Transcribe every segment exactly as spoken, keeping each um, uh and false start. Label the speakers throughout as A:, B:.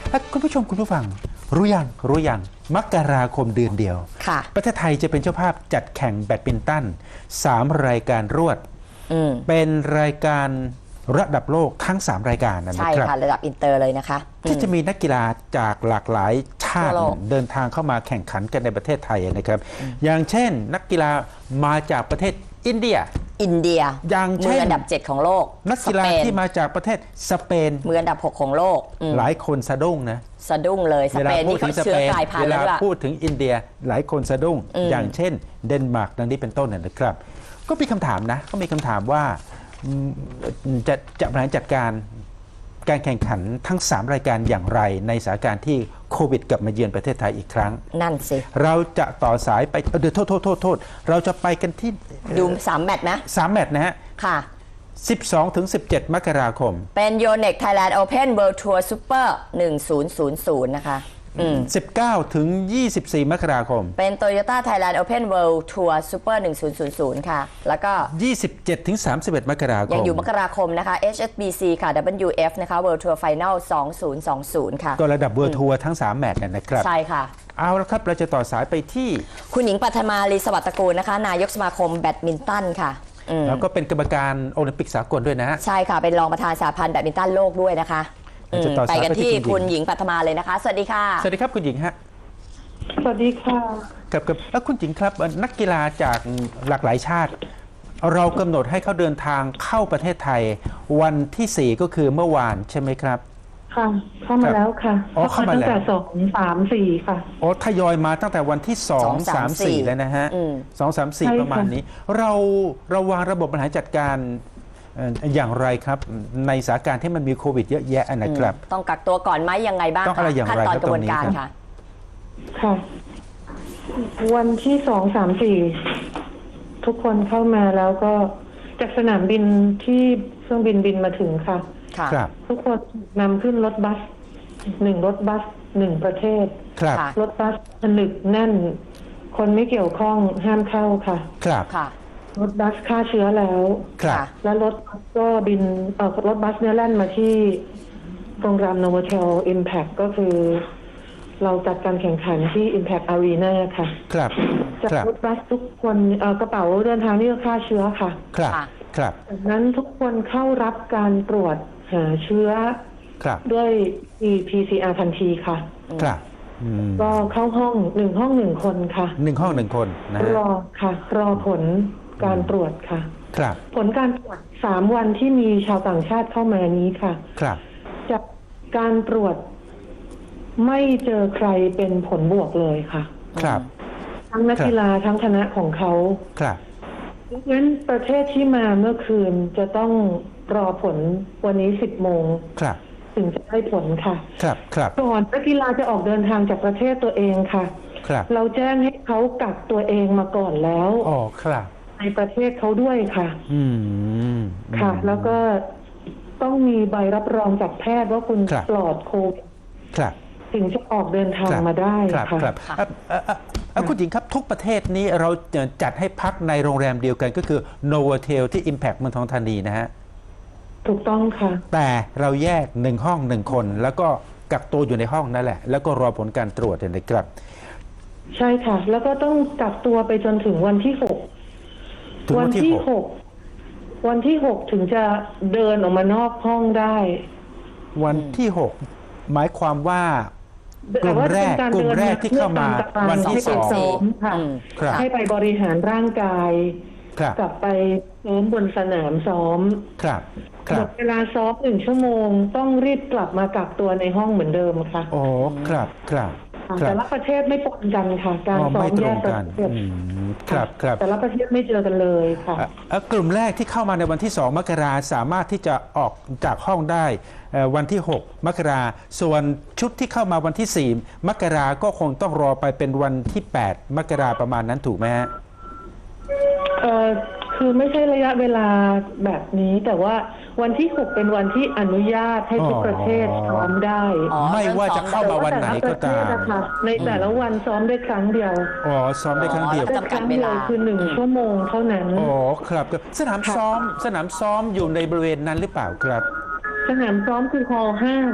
A: คุณผู้ชมคุณผู้ฟังรู้ยังรู้ยังมกราคมเดือนเดียวประเทศไทยจะเป็นเจ้าภาพจัดแข่งแบดมินตันสามรายการรวดเป็นรายการระดับโลกทั้งสามรายการนะครับใช่
B: ค่ะระดับอินเตอร์เลยนะคะ
A: ที่จะมีนักกีฬาจากหลากหลายชาติเดินทางเข้ามาแข่งขันกันในประเทศไทยนะครับอย่างเช่นนักกีฬามาจากประเทศอินเดีย
B: อินเดีย
A: อย่าง
B: เช่นมืออันดับเจ็ดของโลก
A: นักกีฬาที่มาจากประเทศสเปน
B: มืออันดับหกของโลก
A: หลายคนสะดุ้งนะ
B: สะดุ้งเลยสเปนนี่เขาเชื้อกลายพันธุ์แล้ว
A: เวลาพูดถึงอินเดียหลายคนสะดุ้งอย่างเช่นเดนมาร์กดังนี้เป็นต้นนะครับก็มีคำถามนะก็มีคำถามว่าจะจะบริหารจัดการการแข่งขันทั้งสามรายการอย่างไรในสถานการณ์ที่โควิดกลับมาเยือนประเทศไทยอีกครั้ง
B: นั่นสิ
A: เราจะต่อสายไปเดี๋ยวโทษโทษโทษโทษเราจะไปกันที่
B: ดูสามแมตช์นะ
A: สามแมตช์นะฮะ
B: ค่ะ
A: สิบสองถึงสิบเจ็ดมกราคม
B: เป็นโยเน็กไทยแลนด์โอเพ่นเวิลด์ทัวร์ซูเปอร์หนึ่งพันนะคะ
A: สิบเก้าถึงยี่สิบสี่มกราคม
B: เป็น Toyota Thailand Open World Tour Super หนึ่งพันค่ะแล้วก็
A: ยี่สิบเจ็ดถึงสามสิบเอ็ดมกราคม
B: ยังอยู่มกราคมนะคะ เอช เอส บี ซี ค่ะ ดับเบิลยู เอฟ นะคะ World Tour Final สองพันยี่สิบค่ะ
A: ก็ระดับ World Tour ทั้งสามแมตช์นะครับ
B: ใช่ค่ะ
A: เอาละครับเราจะต่อสายไปที่
B: คุณหญิงปัทมาลีสวัสดิ์ตระกูลนะคะนายกสมาคมแบดมินตันค่ะ
A: แล้วก็เป็นกรรมการโอลิมปิกสากลด้วยนะ
B: ใช่ค่ะเป็นรองประธานสหพันธ์แบดมินตันโลกด้วยนะคะไปกันที่คุณหญิงปัทมาเลยนะคะสวัสดีค่ะ
A: สวัสดีครับคุณหญิงฮะ
C: สวัสดีค่ะ
A: กับกับแล้วคุณหญิงครับนักกีฬาจากหลากหลายชาติเรากำหนดให้เขาเดินทางเข้าประเทศไทยวันที่สี่ก็คือเมื่อวานใช่ไหมครับ
C: ค่ะเข้ามาแล้วค่ะ
A: อ๋อเข้ามาแล้วตั้งแต่
C: สองสามสี่ค่ะ
A: อ๋อทยอยมาตั้งแต่วันที่สองสามสี่แล้วนะฮะสองสามสี่ประมาณนี้เราเราวางระบบบริหารจัดการอย่างไรครับในสถานการณ์ที่มันมีโควิดเยอะแยะนะครับ
B: ต้องกักตัวก่อนไหมยังไงบ้าง
A: ต้องอะไรอย่างไร
B: ขั้นตอนกระบวนการค่ะ
C: ค่ะวันที่สองสามสี่ทุกคนเข้ามาแล้วก็จากสนามบินที่เครื่องบินบินมาถึงค่ะ
A: ครับ
C: ทุกคนนำขึ้นรถบัสหนึ่งรถบัสหนึ่งประเทศ
A: ครับ
C: รถบัสผนึกแน่นคนไม่เกี่ยวข้องห้ามเข้าค่ะ
A: ครับ
C: รถบัสฆ่าเชื้อแล้วแล้วรถก็บินเอ่อรถบัสเนี่ยแล่นมาที่โรงแรม Novotel Impact ก็คือเราจัดการแข่งขันที่ Impact Arena ค่ะ
A: ครับ
C: จากรถบัสทุกคนเอ่อกระเป๋าเดินทางนี่ก็ฆ่าเชื้อค่ะ
A: ครับครับ
C: จากนั้นทุกคนเข้ารับการตรวจหาเชื้อด้วย พี ซี อาร์ ทันทีค่ะ
A: ครับ
C: ก็เข้าห้องหนึ่งห้องหนึ่งคนค่ะ
A: หนึ่งห้องหนึ่งคนนะ
C: รอค่ะรอผลการตรวจค่ะ
A: ครับ
C: ผลการตรวจสามวันที่มีชาวต่างชาติเข้ามานี้ค่ะ
A: ครับ
C: จากการตรวจไม่เจอใครเป็นผลบวกเลยค่ะ
A: ครับ
C: ทั้งนักกีฬาทั้งคณะของเขา
A: ครับ
C: ดังนั้นประเทศที่มาเมื่อคืนจะต้องรอผลวันนี้สิบโมง
A: ครับ
C: ถึงจะได้ผลค่ะ
A: ครับครับ
C: ก่อนนักกีฬาจะออกเดินทางจากประเทศตัวเองค่ะ
A: ครับ
C: เราแจ้งให้เขากักตัวเองมาก่อนแล้ว
A: อ๋อครับ
C: ในประเทศเขาด้วยค่ะ
A: อืม
C: ค่ะแล้วก็ต้องมีใบรับรองจากแพทย์ว่าคุณปลอดโควิด
A: ครับ
C: ถึงจะออกเดินทางมาได้
A: ค่ะครับคุณหญิงครับทุกประเทศนี้เราจัดให้พักในโรงแรมเดียวกันก็คือ Novotel ที่ Impact เมืองทองธานีนะฮะ
C: ถูกต้องค่ะ
A: แต่เราแยกหนึ่งห้องหนึ่งคนแล้วก็กักตัวอยู่ในห้องนั่นแหละแล้วก็รอผลการตรวจนะครับ
C: ใช่ค่ะแล้วก็ต้องกักตัวไปจนถึงวันที่หกวันที่หกวันที่หกถึงจะเดินออกมานอกห้องได้
A: วันที่หกหมายความว่ากลุ่มแรกกลุ่มแรกที่เข้ามาวันที่สอง
C: ค่ะให้ไปบริหารร่างกายกลับไปซ้อมบนสนามซ้อม
A: ครับ
C: หมดเวลาซ้อมหนึ่งชั่วโมงต้องรีบกลับมากักตัวในห้องเหมือนเดิมค่ะ
A: โอ้ครับครับ
C: แต่ละประเทศไม่ปนกันค่ะการซ้อมแยกประเทศ
A: ครับครับ
C: แต่ละประเทศไม่เจอกันเลยค่ะ
A: กลุ่มแรกที่เข้ามาในวันที่สองมกราสามารถที่จะออกจากห้องได้วันที่หกมกราส่วนชุดที่เข้ามาวันที่สี่มกราก็คงต้องรอไปเป็นวันที่แปดมกราประมาณนั้นถูกไหมฮะ
C: เอ่อคือไม่ใช่ระยะเวลาแบบนี้แต่ว่าวันที่หกเป็นวันที่อนุญาตให้ทุกประเทศซ้อมได้
A: ไม่ว่าจะเข้ามาวันไหนก็ตาม
C: ในแต่ละวันซ้อมได้ครั้งเดียว
A: อ๋อซ้อมได้ครั้งเดียว
C: จำกัดเวลาคือหนึ่งชั่วโมงเท่านั้น
A: อ๋อครับสนามซ้อมสนามซ้อมอยู่ในบริเวณนั้นหรือเปล่าครับ
C: สนามซ้อมคือฮอลล์ห้า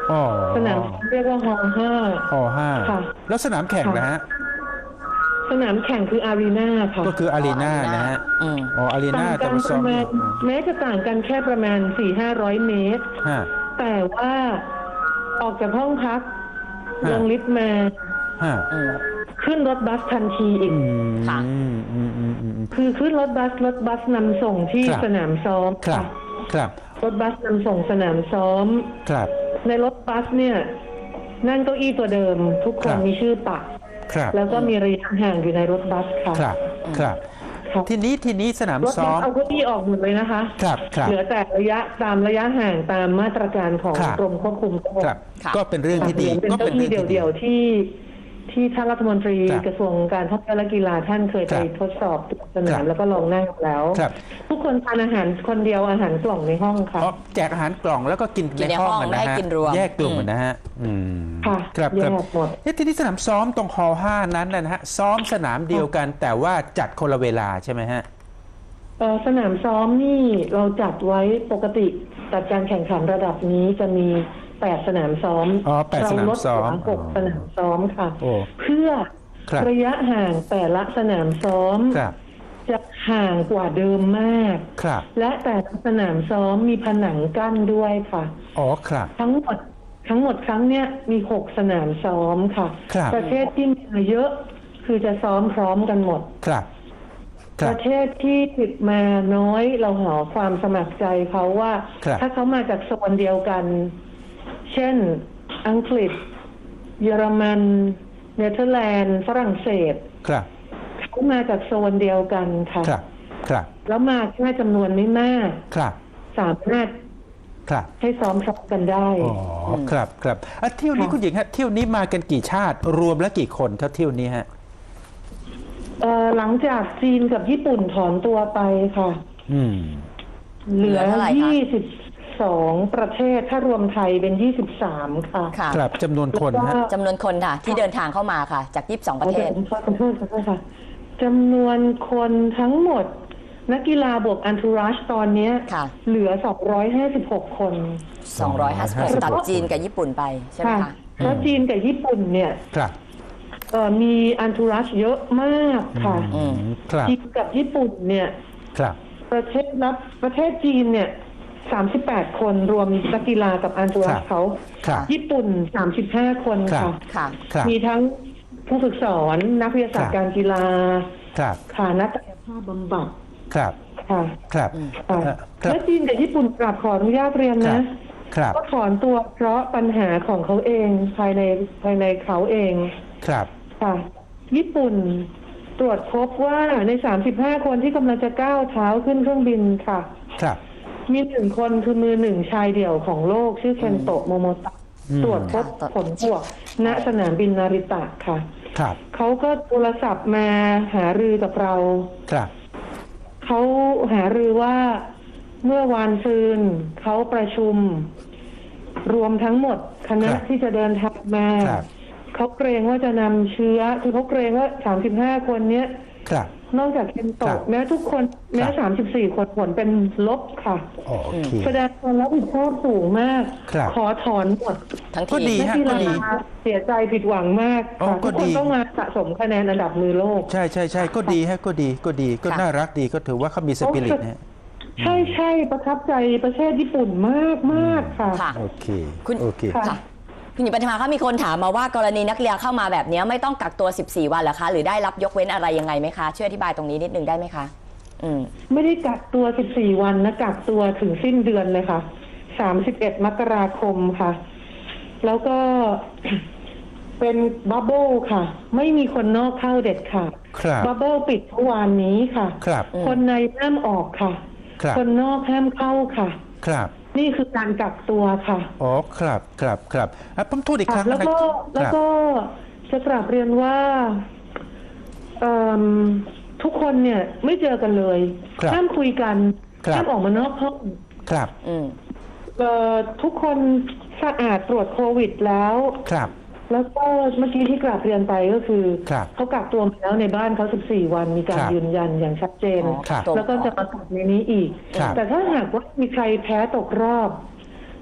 A: อ๋อ
C: สนามเรียกว่าฮอลห้า
A: อ๋อห้า
C: ค่ะ
A: แล้วสนามแข่งนะฮะ
C: สนามแข่งคืออารีนาค่ะ
A: ก็คืออารีนานะฮะ
B: อืม
A: อ๋ออารีนา
C: ต่าง
A: แต่
C: กัน
A: ว่า
C: ป
A: ซ้อ
C: ระ
A: ม
C: มาณแม้จะต่างกันแค่ประมาณสี่ห้าร้อยเมตร
A: ฮะ
C: แต่ว่าออกจากห้องพัก
A: ฮะ
C: ลงลิฟต์มา
A: ฮะ
B: อืม
C: ขึ้นรถบัสทันทีอีก
A: อืม
B: ค่ะ
A: อืมอืมอืมอืม
C: คือขึ้นรถบัสรถบัสนำส่งที่
A: ครับ
C: สนามซ้อม
A: ครับ
C: ค่ะ
A: ครับ
C: รถบัสนำส่งสนามซ้อม
A: ครับ
C: ในรถบัสเนี่ย นั่งเก้าอี้ตัวเดิม ทุกค
A: ครั
C: น
A: บ
C: มีชื่อปัก
A: ครับ
C: แล้วก็มีระยะห่างอยู่ในรถบัสค่ะ
A: ครับครับ
C: ค่ะ
A: ทีนี้ทีนี้สนาม
C: รถ
A: ซ้
C: บั
A: อ
C: ส
A: ม
C: เอาเก้าอี้ออกหมดเลยนะคะ
A: ครับครับ
C: เหลือแต่ระยะตามระยะห่างตามมาตรการของ
A: ครับ
C: กรมควบคุมโรค
A: ครับ
B: ค่ะ
A: ก็เป็นเรื่องที่ดี
C: เป็น
A: ก็
C: เก้า
A: เป็น
C: อี้
A: เรื่องที่ดี
C: เดี่ยวๆที่ที่ท่านรัฐมนตรี
A: ครับ
C: กระทรวงการท่องเที่ยวและกีฬาท่านเคย
A: ค
C: ไป
A: รับ
C: ทดสอบสนา
A: ครั
C: ม
A: บ
C: แล้วก็ลองนั่งแล้ว
A: ครับ
C: ทุกคนทานอาหารคนเดียวอาหารกล่องในห้องค่ะ
A: อ๋อแจกอาหารกล่องแล้วก็กิน
B: กินใน
A: ในห้อง
B: ห้อง
A: กัน
B: ไม่
A: นะ
B: ให้
A: ฮะ
B: กินรวม
A: แยกกลุ่ม
B: อืม
A: กันนะฮะอืม
C: ค่ะ
A: ครับ
C: แย
A: ครับ
C: กหมด
A: เอ๊ะทีนี้สนามซ้อมตรงฮอลห้านั้นนะฮะซ้อมสนามเดียวกัน แต่ว่าจัดคนละเวลาใช่ไหมฮะ
C: เอ่อสนามซ้อมนี่เราจัดไว้ปกติจัดการแข่งขันระดับนี้จะมีแปดสนามซ้อม
A: อ๋อแปดสนามซ้อม
C: เราลดเหลืหก
A: อ๋อ
C: สนามซ้อมค่ะ
A: โอ้
C: เพื่อ
A: ครับ
C: ระยะห่างแต่ละสนามซ้อม
A: ครับ
C: จะห่างกว่าเดิมมาก
A: ครับ
C: และแต่ละสนามซ้อมมีผนังกั้นด้วยค่ะ
A: อ๋อครับ
C: ทั้งหมดทั้งหมดครั้งเนี้ยมีหกสนามซ้อมค่ะ
A: ครับ
C: ประเทศที่มาเยอะคือจะซ้อมพร้อมกันหมด
A: ครับค
C: ป
A: รับ
C: ระเทศที่ติดมาน้อยเราหาความสมัครใจเขาว่า
A: ครับ
C: ถ้าเขามาจากโซนเดียวกัน เช่น อังกฤษ เยอรมัน เนเธอร์แลนด์ ฝรั่งเศส
A: ครับ
C: เขามาจากโซนเดียวกันค่ะ
A: ครับครับ
C: แล้วมาแค่จำนวนไม่มาก
A: ครับ
C: สามารถ
A: ครับ
C: ให้ซ้อมพร้อมกันได้
A: อ๋อครับครับอ่ะเที่ยวนี้
C: ค่ะ
A: คุณหญิงฮะเที่ยวนี้มากันกี่ชาติ รวมแล้วกี่คนครับเที่ยวนี้ฮะ
C: เอ่อหลังจากจีนกับญี่ปุ่นถอนตัวไปค่ะ
A: อืม
C: เหลือ
B: เหลือเท่าไหร่คะ
C: ยี่สิบสองประเทศถ้ารวมไทยเป็นยี่สิบสามค่ะ
B: ค่ะ
A: ครับจำนวนคนฮะ
B: จำนวนคนค่ะ ที่เดินทางเข้ามาค่ะ จากยี่สิบสองประเทศ
C: ขอโทษขอโทษค่ะจำนวนคนทั้งหมด นักกีฬาบวกอันทูรัชตอนเนี้ย
B: ค่ะ
C: เหลือสองร้อยห้าสิบหกคน
B: สองร้อยห้าสิบหก
A: สองร้อยห้าสิบหก
B: ตัดจีนกับญี่ปุ่นไปใช่ไหม
C: ค่ะ
B: คะ
C: เพราะจีนกับญี่ปุ่นเนี่ย
A: ครับ
C: เอ่อมีอันทูรัชเยอะมากค่ะ
B: อืม
A: ครับ
C: จีนกับญี่ปุ่นเนี่ย
A: ครับ
C: ประเทศรับประเทศจีนเนี่ยสามสิบแปดคนรวมนักกีฬากับอันตูรั
A: ครั
C: ส
A: บ
C: เขา
A: ครับ
C: ญี่ปุ่นสามสิบห้าคน
A: ครับ
C: ค่ะ
B: ค่ะ
A: ครับ
C: มีทั้งผู้ฝึกสอนนักวิทยาศาสต
A: ครั
C: ร์
A: บ
C: การกีฬา
A: ครับ
C: ค่ะนักกายภาพบำบัด
A: ครับ
C: ค่ะ
A: ครับ
C: ค่ะ
A: เอ่อครับ
C: และจีนกับญี่ปุ่นกราบขออนุญาตเรียน
A: ครั
C: นะ
A: บครับ
C: ก็ถอนตัวเพราะปัญหาของเขาเองภายในภายในเขาเอง
A: ครับ
C: ค่ะ ญี่ปุ่นตรวจพบว่าในสามสิบห้าคนที่กำลังจะก้าวเท้าขึ้นเครื่องบินค่ะ
A: ครับ
C: มีหนึ่งคนคือมือหนึ่งชายเดี่ยวของโลก ชื่อเคนโตะโมโมตะ
A: อืม
C: ตรวจพบ
B: ค่ะ
C: ผลบวกณสนามบินนาริตะค่ะ
A: ครับ
C: เขาก็โทรศัพท์มาหารือกับเรา
A: ครับ
C: เขาหารือว่าเมื่อวานซืนเขาประชุม รวมทั้งหมดคณะ
A: ครับ
C: ที่จะเดินทางมา
A: ครับ
C: เขาเกรงว่าจะนำเชื้อ คือเขาเกรงว่าสามสิบห้าคนเนี้ย
A: ครับ
C: นอกจากเคน
A: ครั
C: โตะ
A: บ
C: แม้ทุกคนแม้
A: ครับ
C: สามสิบสี่คนผลเป็นลบค่ะ
A: โอเค
C: แสดงความรับผิดชอบสูงมาก
A: ครับ
C: ขอถอนหมด
B: ทั้ง
A: ก็
B: ที
A: ดี
B: ม
C: นักกี
A: ก็
C: ฬา
A: ดี
C: เสียใจผิดหวังมาก
A: อ๋อ
C: ค่ะ
A: ก็
C: ทุกคน
A: ดี
C: ต้องมาสะสมคะแนนอันดับมือโลก
A: ใช่ใช่ใช่ก็ดีฮะก็ดีก็ดีก็
B: ค่ะ
A: น่ารักดีก็ถือว่าเขามีสปิริตนะฮะ
C: ใช่ใช่ประทับใจประเทศญี่ปุ่นมากมากค่ะ
B: ค่ะ
A: โอเค
B: คุณ
A: โอเค
C: ค่ะ
B: ค่ะ คุณหญิงปฐมาคะมีคนถามมาว่ากรณีนักเรียนเข้ามาแบบนี้ไม่ต้องกักตัวสิบสี่วันเหรอคะ หรือได้รับยกเว้นอะไรยังไงไหมคะ ช่วยอธิบายตรงนี้นิดนึงได้ไหมคะ อืม
C: ไม่ได้กักตัวสิบสี่วันนะกักตัวถึงสิ้นเดือนเลยค่ะสามสิบเอ็ดมกราคมค่ะ แล้วก็ เป็นบับเบิลค่ะ ไม่มีคนนอกเข้าเด็ดค่ะ
A: ครับ
C: บับเบิลปิดเมื่อวานนี้ค่ะ
A: ครับ
B: อืม
C: คนในห้ามออกค่ะ
A: ครับ
C: คนนอกห้ามเข้าค่ะ
A: ครับ
C: นี่คือการกักตัวค่ะ
A: อ๋อครับครับครับอ่ะผมโทษอีกครั้ง
C: แล้วก็
A: นะ
C: แล้วก็จะกราบเรียนว่าเอิ่มทุกคนเนี่ยไม่เจอกันเลย
A: ครับ
C: ห้ามคุยกัน
A: ครับ
C: ห้ามออกมานอกห้อง
A: ครับ
B: อืม
C: เอ่อทุกคนสะอาดตรวจโควิดแล้ว
A: ครับ
C: แล้วก็เมื่อกี้ที่กราบเรียนไปก็คือ
A: ครับ
C: เขากักตัวมาแล้วในบ้านเขาสิบสี่วันมีการ
A: ครับ
C: ยืนยันอย่างชัดเจน
B: อ๋อ
A: ครับ
B: ตรง
C: แล้วก็จะมากักในนี้อีก
A: ครับ
C: แต่ถ้าหากว่ามีใครแพ้ตกรอบ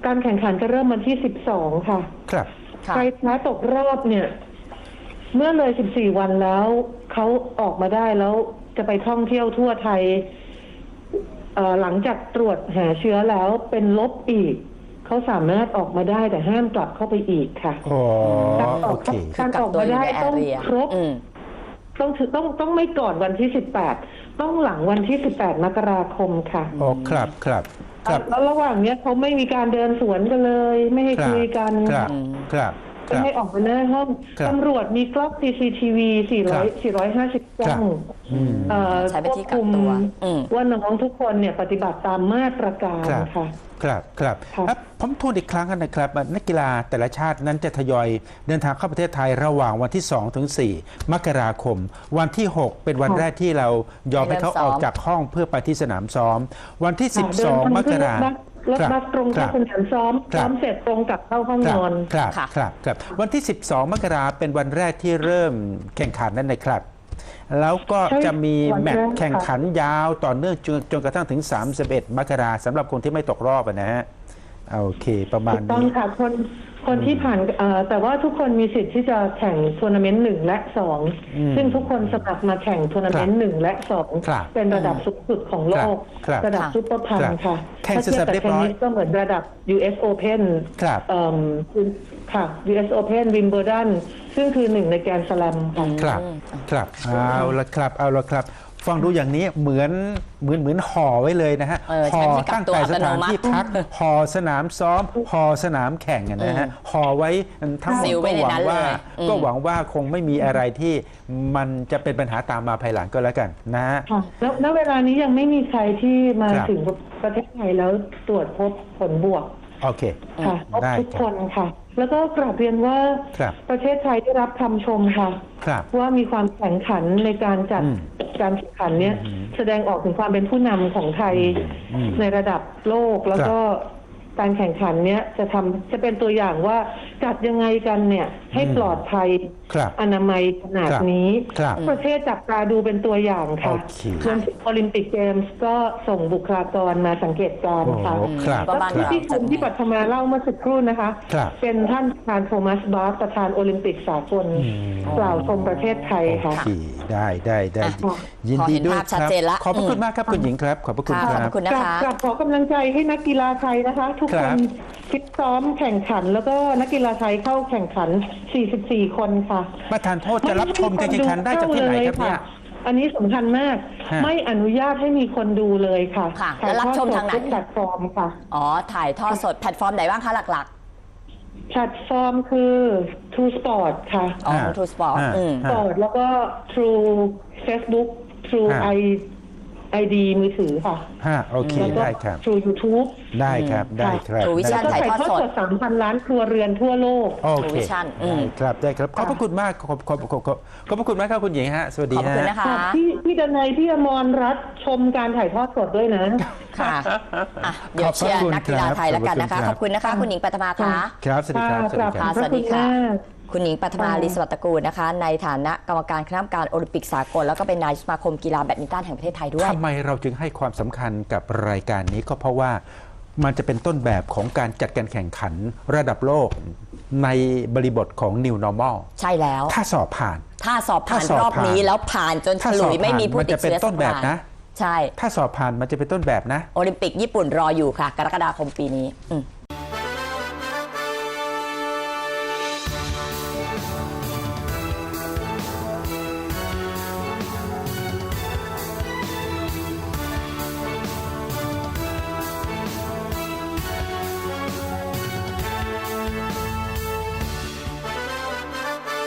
C: การแข่งขันจะเริ่มวันที่สิบสองค่ะ
A: ครับ
B: ค่ะ
C: ใครแพ้ตกรอบเนี่ย เมื่อเลยสิบสี่วันแล้วเขาออกมาได้แล้วจะไปท่องเที่ยวทั่วไทยเอ่อหลังจากตรวจหาเชื้อแล้วเป็นลบอีกเขาสามารถออกมาได้แต่ห้ามกลับเข้าไปอีกค่ะ
A: อ๋อ
C: การอ
A: โอ
C: อก
A: เค
C: การออกมาได้ต้องครบ
B: อืม
C: ต้องถือต้องต้องไม่ก่อนวันที่สิบแปดต้องหลังวันที่สิบแปดมกราคมค่ะ
A: อ๋อครับครับครับ
C: แล้วระหว่างเนี้ยเขาไม่มีการเดินสวนกันเลย ไม่ให้
A: ครับ
C: คุยกัน
A: ครับครับค
C: ไม่
A: รับ
C: ให้ออกมาหน้าห้อง
A: ครับ
C: ตำรวจมีกล้อง ซี ซี ที วี สี่ร้อย สี่ร้อยห้าสิบกล้อง
A: อืม
C: เอ่อ
B: ใช้เป็นที่กักตัวอืม
C: ว่าน้องทุกคนเนี่ยปฏิบัติตามมาตรการ
A: ครับ
C: ค่ะ
A: ครับครับ
C: ค่ะ
A: ครับผมทวนอีกครั้งนะครับนักกีฬาแต่ละชาตินั้นจะทยอยเดินทางเข้าประเทศไทยระหว่างวันที่สองถึงสี่มกราคม วันที่หกเป็นวันแรกที่เรายอมให้เขาออกจากห้องเพื่อไปที่สนามซ้อม วันที่สิบสองมกราคม
C: รถบัสตรงเข้าสนามซ้อม
A: ครับ
C: ซ้อมเสร็จตรงกลับเข้าห้องนอน
A: ครับ
B: ค่ะ
A: ครับครับวันที่ สิบสอง มกราเป็นวันแรกที่เริ่มแข่งขันนั่นนะครับ แล้วก็
C: ใช่
A: จะมี
C: วัน
A: แม
C: แร
A: ต
C: ก
A: ช์แข่งขันยาวต่อเนื่องจนจนกระทั่งถึง สามสิบเอ็ด มกราสำหรับคนที่ไม่ตกรอบอะนะฮะโอเคประมาณ
C: ถูกต้อง
A: นี้
C: ค่ะคนคนที่ผ่านเอ่อแต่ว่าทุกคนมีสิทธิ์ที่จะแข่งทัวร์นาเมนต์หนึ่งและสอง
A: อืม
C: ซึ่งทุกคนสมัครมาแข่งทัวร์นาเมนต์หนึ่งและสอง
A: ครับ
C: เป็นระดับสูงสุดของโลก
A: ครับ
C: ระดับ
B: ครับ
C: ซุปเปอร์พัน
A: ครับ
C: ค่ะ
A: แข่ง
C: ถ้าเทียบกับ
A: เสร็จเรียบ
C: เทน
A: ร้อย
C: นิสก็เหมือนระดับ ยู เอส Open
A: ครับ
C: เอิ่มค่ะ ยู เอส Open Wimbledon ซึ่งคือหนึ่งในแกรนด์สแลมค่ะ
A: ครับครับเอาละครับเอาละครับ ฟังดูอย่างนี้เหมือนเหมือนเหมือนห่อไว้เลยนะฮะ
B: เออ
A: ห่อ
B: ใช้ที่กัก
A: ตั้ง
B: ตัว
A: แต่
B: อั
A: ส
B: ตโน
A: ถาน
B: มัติ
A: ที่พักห่อสนามซ้อมห่อสนามแข่งอะนะฮะห่อไว้ทั้งหมด
B: ซิลไว้
A: ก็
B: ใน
A: หวั
B: นั้
A: ง
B: น
A: ว่า
B: เลยอืม
A: ก็หวังว่าคงไม่มีอะไรที่มันจะเป็นปัญหาตามมาภายหลังก็แล้วกันนะฮะ
C: ค่ะแล้วณเวลานี้ยังไม่มีใครที่มา
A: ครับ
C: ถึงประเทศไทยแล้วตรวจพบผลบวก
A: โอเค
C: ค่ะพบ
A: ได้
C: ทุก
A: ครับ
C: คนค่ะ แล้วก็กราบเรียนว่า
A: ครับ
C: ประเทศไทยได้รับคำชมค่ะ
A: ครับ
C: ว่ามีความแข็งขันในการจัด
A: อืม
C: การแข่งขันเนี้ย
A: อืม
C: แสดงออกถึงความเป็นผู้นำของไทย
A: อืม
C: ในระดับโลกแล้วก็การแข่งขันเนี้ยจะทำจะเป็นตัวอย่างว่าจัดยังไงกันเนี่ยให้ปลอดภัย
A: ครับ
C: อนามัยขนาดนี้
A: ครับ
C: ประเทศจับตาดูเป็นตัวอย่างค่ะ
A: โอเค
C: รวมถึงโอลิมปิกเกมส์ก็ส่งบุคลากรมาสังเกตการณ์
A: โอ้
C: ค่ะ
A: ครับ
B: ประ
C: แล้ว
B: มาณ
C: ที่
B: เรา
C: ที่คุณที่ปัทมาเล่าเมื่อสักครู่นะคะ
A: ครับ
C: เป็นท่านประธานโทมัสบาร์ประธานโอลิมปิกสากล
A: อืม
C: กล่าวชมประเทศไทย
A: โอ
C: ค่ะ
A: เคได้ได้ได้
B: อ่ะ
A: ยินดีด้วย
B: พอเห็นภาพ
A: ค
B: ชัด
A: รับ
B: เจนละ
A: ขอบพระคุณ
B: อืม
A: มากครับคุณหญิงครับ ขอบพระคุณ
B: ค่ะ
A: ค
B: ขอบ
A: รับ
B: พระคุณนะ
C: กราบ
B: คะ
C: กราบขอกำลังใจให้นักกีฬาไทยนะคะ ทุก
A: ค
C: ค
A: รั
C: น
A: บ
C: ฟิตซ้อมแข่งขัน แล้วก็นักกีฬาไทยเข้าแข่งขัน สี่สิบสี่ คนค่ะ
A: ประธานโทษจะรับชมการแข่งขันได้จากที่ไหนครับเนี่ย
C: อันนี้สำคัญมาก
A: ฮะ
C: ไม่อนุญาตให้มีคนดูเลยค่ะ
B: ค่ะ
C: ถ่าย
B: แล้วรับชม
C: ทอดสด
B: ทางไหน
C: ทุกแพลตฟอร์มค่ะ
B: อ๋อ ถ่ายทอดสดแพลตฟอร์มไหนบ้างคะหลัก
C: แพลตฟอร์มคือ True Sport ค่ะ
B: ๆ อ๋อ
A: ฮะ
B: ทูสปอร์ต
A: ฮะ
B: อืม
A: ฮะ
C: Sport แล้วก็ True Facebook True
A: ฮะ
C: ไอ ไอ ดี มือถือค่ะ
A: ฮะโอเค
C: แล้วก็
A: ได้ครับ
C: True YouTube
A: ได้ครับได้ครับ
B: True
C: แล้ว
B: Vision
C: ก็
A: ได้
C: ถ่าย
A: ครับ
C: ทอดสด สามพัน ล้านครัวเรือนทั่วโลก
A: โอเค
B: True Vision อืม
A: ได้ครับได้ครับขอบพระคุณมากขอบขอบขอบขอบขอบพระคุณมากครับคุณหญิงฮะสวัสดี
B: ขอบ
A: ฮะ
B: คุณนะคะ
C: ค่ะพี่พี่ดนัยพี่อมรรัตน์ชมการถ่ายทอดสดด้วยนะ
B: ค่ะอ่ะ เดี๋ยวเชียร์นักกีฬาไทยแล้วกันนะคะ ขอบคุณนะคะ คุณหญิงปัทมาค่ะ
A: ครับสวัสดีครับสวัสดีค
B: ค่ะ
A: รับ
B: สวัสดีค่ะ
C: ขอบณมาก
B: คุณหญิงปัทมา
C: ค่ะ
B: ลีสวัสดิ์ตระกูลนะคะ ในฐานะกรรมการคณะกรรมการโอลิมปิกสากล แล้วก็เป็นนายกสมาคมกีฬาแบดมินตันแห่งประเทศไทยด้วย
A: ทำไมเราจึงให้ความสำคัญกับรายการนี้ก็เพราะว่ามันจะเป็นต้นแบบของการจัดการแข่งขันระดับโลกในบริบทของ New Normal
B: ใช่แล้ว
A: ถ้าสอบผ่าน
B: ถ้าสอบผ่าน
A: ถ้าสอบ
B: รอบนี้
A: ผ่าน
B: แล้วผ่านจนฉ
A: ถ้าส
B: ลุ
A: อบ
B: ยไม่มีผู้
A: ผ่าน
B: ติด
A: มันจะเป็น
B: เชื้อ
A: ต้นแบบ
B: สักราย
A: นะ
B: ใช่
A: ถ้าสอบผ่านมันจะเป็นต้นแบบนะ
B: โอลิมปิกญี่ปุ่นรออยู่ค่ะ กรกฎาคมปีนี้อืม